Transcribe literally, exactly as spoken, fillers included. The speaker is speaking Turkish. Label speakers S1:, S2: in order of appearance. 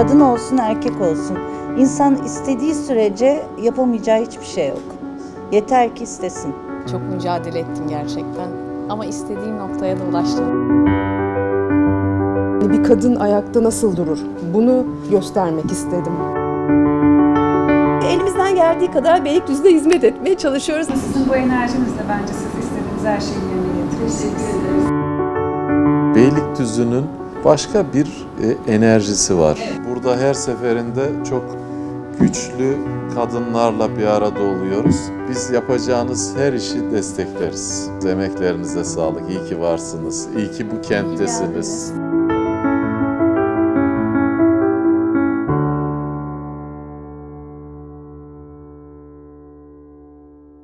S1: Kadın olsun, erkek olsun. İnsan istediği sürece yapamayacağı hiçbir şey yok. Yeter ki istesin.
S2: Çok mücadele ettim gerçekten ama istediğim noktaya da ulaştım.
S3: Bir kadın ayakta nasıl durur? Bunu göstermek istedim.
S4: Elimizden geldiği kadar Beylikdüzü'ne hizmet etmeye çalışıyoruz.
S5: Sizin bu enerjinizle bence siz istediğiniz her şeyi yerine getirirsiniz.
S6: Beylikdüzü'nün başka bir e, enerjisi var. Burada her seferinde çok güçlü kadınlarla bir arada oluyoruz. Biz yapacağınız her işi destekleriz. Emeklerinize sağlık. İyi ki varsınız. İyi ki bu kenttesiniz.